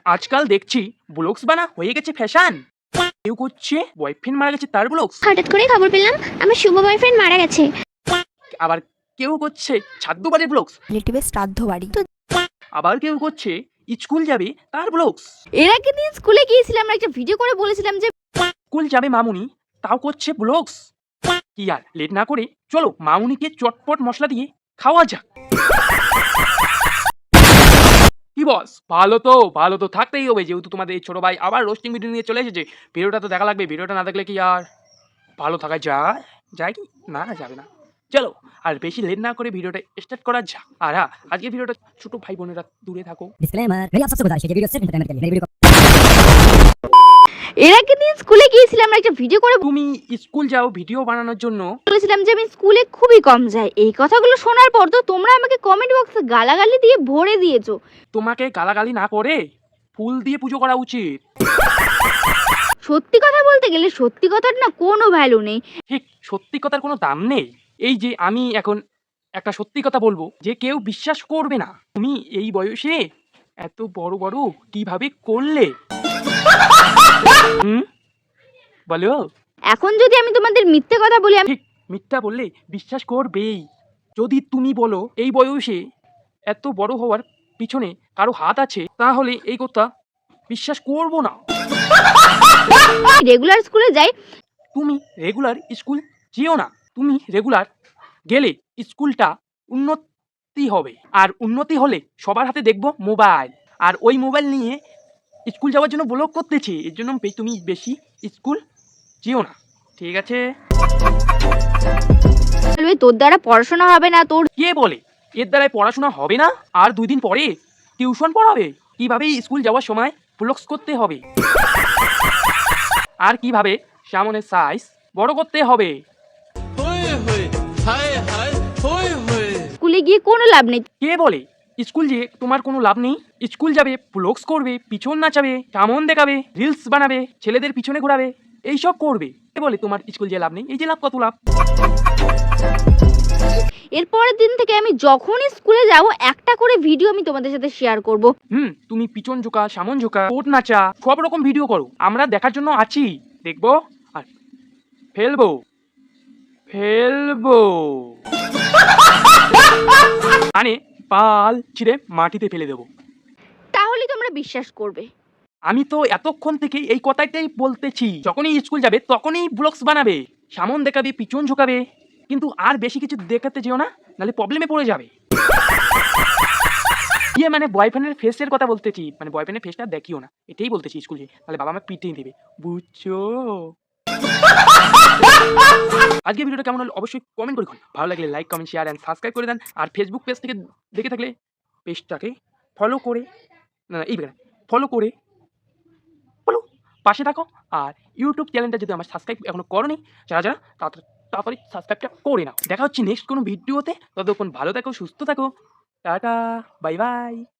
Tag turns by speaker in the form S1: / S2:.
S1: আজকাল দেখছি ব্লগস বানা হয়ে গেছে ফ্যাশন। কেউ করছে বয়ফ্রেন্ড মারা গেছে তার ব্লগস,
S2: হঠাৎ করে খবর পেলাম আমার শুভ বয়ফ্রেন্ড মারা গেছে।
S1: আবার কেউ করছে ছাদ্য বাড়ির ব্লগস,
S3: রিলেটিভের শ্রাদ্ধ বাড়ি। তো
S1: আবার কেউ করছে স্কুল যাবে তার ব্লগস।
S2: এর আগে দিন স্কুলে গিয়েছিলাম, আমরা একটা ভিডিও করে বলেছিলাম যে
S1: স্কুল যাবে মামুনি, তাও করছে ব্লগস। কি আর লেট না করে চলো মামুনিকে চটপট মশলা দিয়ে খাওয়া যাক। কি বস, ভালো তো থাকতেই হবে, যেহেতু তোমাদের এই ছোট ভাই আবার রোস্টিং ভিডিও নিয়ে চলে এসেছে। ভিডিওটা তো দেখা লাগবে, ভিডিওটা না দেখলে কি আর ভালো থাকা যায় কি না, যাবে না। চলো আর বেশি লেট না করে ভিডিওটা স্টার্ট করা যাক। আর হ্যাঁ, আজকে ভিডিওটা ছোট भाई বোনেরা दূরে থাকো।
S4: डिस्क्लेमर, मेरी आप सबसे गुजारिश है कि वीडियो सिर्फ एंटरटेनमेंट के लिए, मेरी वीडियो
S2: এর আগে দিন স্কুলে গিয়েছিলাম, আমরা একটা ভিডিও করে
S1: তুমি স্কুল যাও ভিডিও বানানোর জন্য,
S2: বলেছিলাম যে আমি স্কুলে খুবই কম যাই। এই কথাগুলো শোনার পর তো তোমরা আমাকে কমেন্ট বক্সে গালাগালি দিয়ে ভরে দিয়েছো।
S1: তোমাকে গালাগালি না করে ফুল দিয়ে পুজো করা উচিত।
S2: সত্যি কথা বলতে গেলে সত্যি কথার না কোনো ভ্যালু নেই।
S1: ঠিক, সত্যি কথার কোনো দাম নেই। এই যে আমি এখন একটা সত্যি কথা বলবো যে কেউ বিশ্বাস করবে না, তুমি এই বয়সে এত বড় বড় কিভাবে করলে? বলো।
S2: এখন যদি আমি তোমাদের মিথ্যে কথা বলি, আমি
S1: ঠিক, মিথ্যা বললে বিশ্বাস করবেই। যদি তুমি বলো এই বয়সে এত বড় হওয়ার পিছনে কারো হাত আছে, তাহলে এই কথা বিশ্বাস করব না।
S2: রেগুলার স্কুলে যাই।
S1: তুমি রেগুলার স্কুল যেও না, তুমি রেগুলার গেলে স্কুলটা উন্নতি হবে, আর উন্নতি হলে সবার হাতে দেখবো মোবাইল, আর ওই মোবাইল নিয়ে স্কুল যাওয়ার জন্য ব্লগ করতেছে। এর জন্য তুমি বেশি স্কুল যেও না, ঠিক আছে?
S2: বলবে, তোর দ্বারা পড়াশোনা হবে না। তোর
S1: কে বলে এর দ্বারাই পড়াশোনা হবে না? আর 2 দিন পরে টিউশন পড়াবে কিভাবে স্কুল যাওয়ার সময় ব্লগস করতে হবে, আর কিভাবে সামনের সাইজ বড় করতে হবে।
S2: স্কুলে গিয়ে কোনো লাভ নেই।
S1: কে বলে স্কুল যে তোমার কোনো লাভ নেই? স্কুল যাবে, ব্লগস করবে, পিছন নাচাবে, সামন দেখাবে, রিলস বানাবে, ছেলেদের পিছনে ঘোরাবে, এইসব করবে। কে বলে তোমার স্কুল যে লাভ নেই? এই যে লাভ, কত লাভ।
S2: এরপরের দিন থেকে আমি যখনই স্কুলে যাব একটা করে ভিডিও আমি তোমাদের সাথে শেয়ার করব।
S1: তুমি পিছন ঝোঁকা, সামন ঝোঁকা, কোট নাচা, সব রকম ভিডিও করো, আমরা দেখার জন্য আছি, দেখবো আর ফেলবো। মানে পাল ছিঁড়ে মাটিতে ফেলে দেবো।
S2: তাহলে তোমরা বিশ্বাস করবে।
S1: আমি তো এতক্ষণ থেকে এই কথাটাই বলতেছি, যখনই স্কুল যাবে তখনই ব্লগস বানাবে, সামন দেখাবে, পিছন ঝোঁকাবে, কিন্তু আর বেশি কিছু দেখাতে যেও না, নাহলে প্রবলেমে পড়ে যাবে। ইয়ে মানে বয়ফ্রেন্ডের ফেসের কথা বলতেছি, মানে বয়ফ্রেন্ডের ফেসটা দেখিও না, এটাই বলতেছি। স্কুল যে তাহলে বাবা আমার পিটিয়ে দেবে, বুঝছো? আজকে ভিডিওটা কেমন হলো অবশ্যই কমেন্ট করে, ভালো লাগলে like, comment, share and subscribe করে দেন। আর ফেসবুক পেজ থেকে দেখে থাকলে পেজটাকে ফলো করে, না এই ফলো করে পাশে থাকো। আর ইউটিউব চ্যানেলটা যদি আমার সাবস্ক্রাইব এখনো করোনি, যারা তাড়াতাড়ি সাবস্ক্রাইবটা করে নাও। দেখা হচ্ছে নেক্সট কোনো ভিডিওতে, ততক্ষণ ভালো থাকো, সুস্থ থাকো, টাটা, বাই বাই।